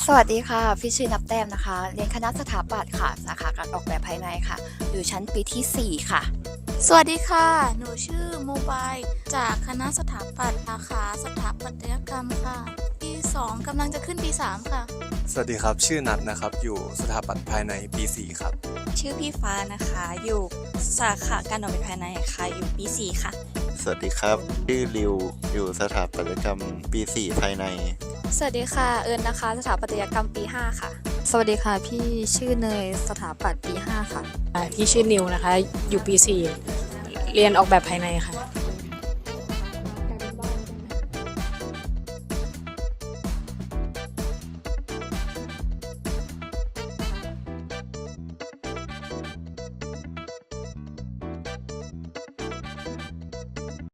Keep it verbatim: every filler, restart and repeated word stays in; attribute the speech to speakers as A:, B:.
A: สวัสดีค่ะพี่ชื่อนับแต้มนะคะเรียนคณะสถาปัตย์ค่ะสาขาการออกแบบภายในค่ะอยู่ชั้นปีที่สี่ค่ะ
B: สวัสดีค่ะ หนูชื่อโมบายจากคณะสถาปัตย์สาขาสถาปัตยกรรมค่ะ ปีสองกำลังจะขึ้นปีสามค่ะ
C: สวัสดีครับชื่อนัทนะครับอยู่สถาปัตย์ภายในปีสี่ครับ
D: ชื่อพี่ฟ้านะคะอยู่สาขาการออกแบบภายในค่ะอยู่ปีสี่ค่ะ
E: สวัสดีครับชื่อริวอยู่สถาปัตยกรรมปีสี่ภายใน
F: สวัสดีค่ะเอิญนะคะสถาปัตยกรรมปีห้าค่ะ
G: สวัสดีค่ะพี่ชื่อเนยสถาปัตย์ปีห้าค่ะ
H: พี่ชื่อนิวนะคะอยู่ปีสี่เรียนออกแบบภายในค่ะ